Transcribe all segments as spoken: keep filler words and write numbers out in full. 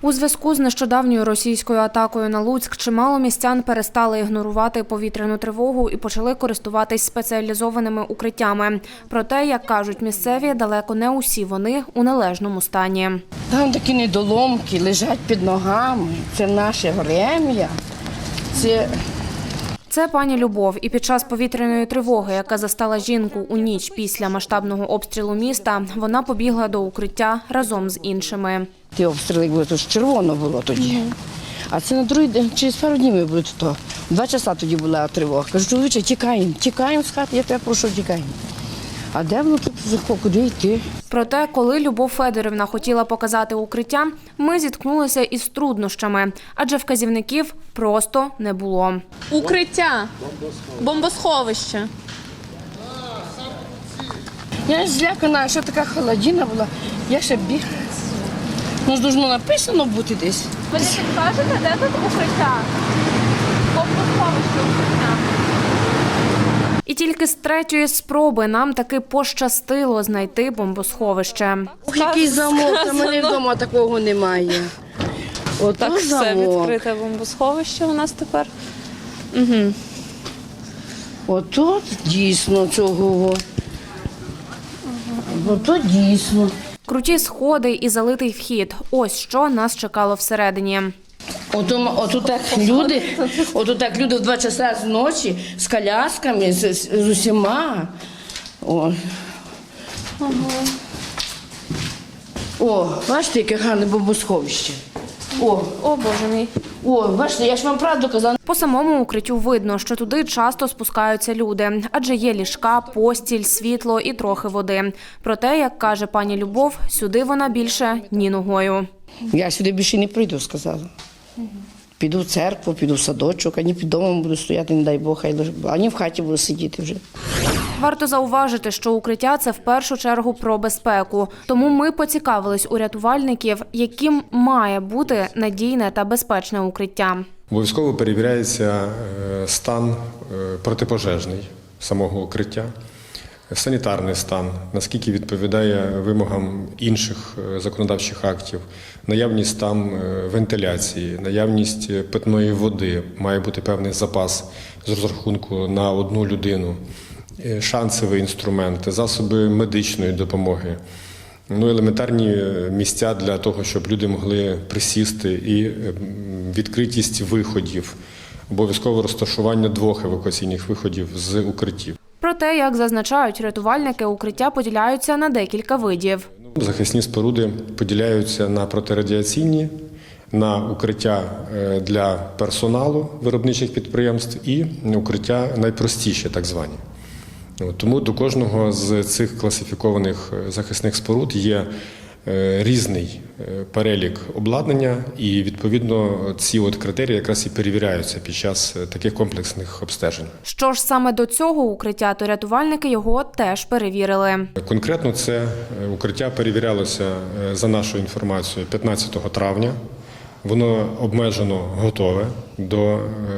У зв'язку з нещодавньою російською атакою на Луцьк чимало містян перестали ігнорувати повітряну тривогу і почали користуватись спеціалізованими укриттями. Проте, як кажуть місцеві, далеко не усі вони у належному стані. Там такі недоломки лежать під ногами. Це наше врем'я. Це... Це пані Любов. І під час повітряної тривоги, яка застала жінку у ніч після масштабного обстрілу міста, вона побігла до укриття разом з іншими. Ті обстріли були, то ж червоно було тоді. А це на другий день, через пару днів ми були тут. Два часа тоді була тривога. Кажу, чоловіче, тікаємо, тікаємо з хати, я тебе прошу, тікаємо. А де воно тут, куди йти? Проте, коли Любов Федорівна хотіла показати укриття, ми зіткнулися із труднощами, адже вказівників просто не було. Укриття, бомбосховище. Я злякана, що така холодина була, я ще бігла. Ну, ж должно написано бути десь. Ви не підкажете, де тут укриття? Бомбосховище укриття. І тільки з третьої спроби нам таки пощастило знайти бомбосховище. Ох, який замок, а мене вдома такого немає. Ото Так, все замок. відкрите бомбосховище у нас тепер. Угу. Ото дійсно цього. Ото дійсно. Круті сходи і залитий вхід. Ось що нас чекало всередині. Ото, ото так люди, ото так люди в два часа з ночі з колясками, з, з, з усіма. О. Ага. О, бачите, яке гарне бомбосховище. О, О, Боже мій. о, бачите, я ж вам правду казала. По самому укриттю видно, що туди часто спускаються люди, адже є ліжка, постіль, світло і трохи води. Проте, як каже пані Любов, сюди вона більше ні ногою. Я сюди більше не прийду, сказала. Піду в церкву, піду в садочок, ані під домом буду стояти, не дай Бог, ані в хаті буду сидіти вже. Варто зауважити, що укриття – це в першу чергу про безпеку. Тому ми поцікавились у рятувальників, яким має бути надійне та безпечне укриття. Обов'язково перевіряється стан протипожежний самого укриття, санітарний стан, наскільки відповідає вимогам інших законодавчих актів, наявність там вентиляції, наявність питної води, має бути певний запас з розрахунку на одну людину, шансові інструменти, засоби медичної допомоги, ну, елементарні місця для того, щоб люди могли присісти, і відкритість виходів, обов'язкове розташування двох евакуаційних виходів з укриттів. Проте, як зазначають рятувальники, укриття поділяються на декілька видів. Захисні споруди поділяються на протирадіаційні, на укриття для персоналу виробничих підприємств і укриття найпростіші, так звані. Тому до кожного з цих класифікованих захисних споруд є різний перелік обладнання, і відповідно ці от критерії якраз і перевіряються під час таких комплексних обстежень. Що ж саме до цього укриття, то рятувальники його теж перевірили. Конкретно це укриття перевірялося, за нашою інформацією, п'ятнадцятого травня. Воно обмежено готове до,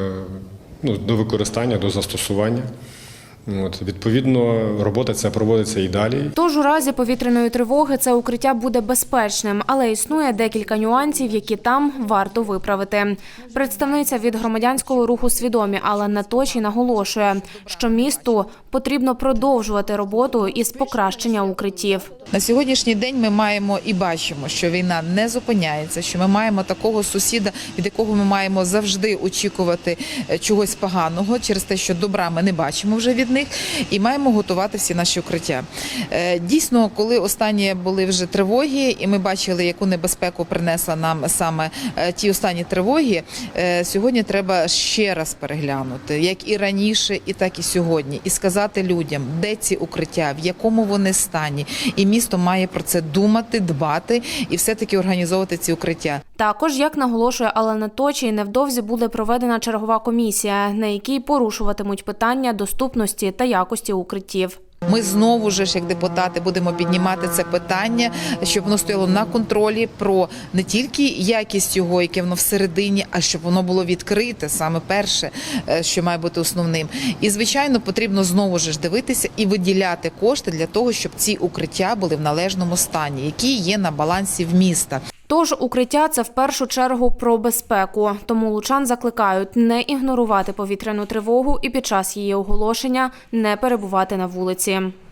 ну, до використання, до застосування. От, відповідно, робота ця проводиться і далі. Тож у разі повітряної тривоги це укриття буде безпечним, але існує декілька нюансів, які там варто виправити. Представниця від громадянського руху «Свідомі» Алла Точій наголошує, що місту потрібно продовжувати роботу із покращення укриттів. На сьогоднішній день ми маємо і бачимо, що війна не зупиняється, що ми маємо такого сусіда, від якого ми маємо завжди очікувати чогось поганого, через те, що добра ми не бачимо вже від них, і маємо готувати всі наші укриття. Дійсно, коли останні були вже тривоги, і ми бачили, яку небезпеку принесла нам саме ті останні тривоги, сьогодні треба ще раз переглянути, як і раніше, і так і сьогодні, і сказати людям, де ці укриття, в якому вони стані, і місто має про це думати, дбати і все-таки організовувати ці укриття. Також, як наголошує Алла Точій, невдовзі буде проведена чергова комісія, на якій порушуватимуть питання доступності та якості укриттів. Ми знову ж, як депутати, будемо піднімати це питання, щоб воно стояло на контролі про не тільки якість його, яке воно всередині, а щоб воно було відкрите, саме перше, що має бути основним. І, звичайно, потрібно знову ж дивитися і виділяти кошти для того, щоб ці укриття були в належному стані, які є на балансі в міста. Тож укриття – це в першу чергу про безпеку. Тому лучан закликають не ігнорувати повітряну тривогу і під час її оголошення не перебувати на вулиці.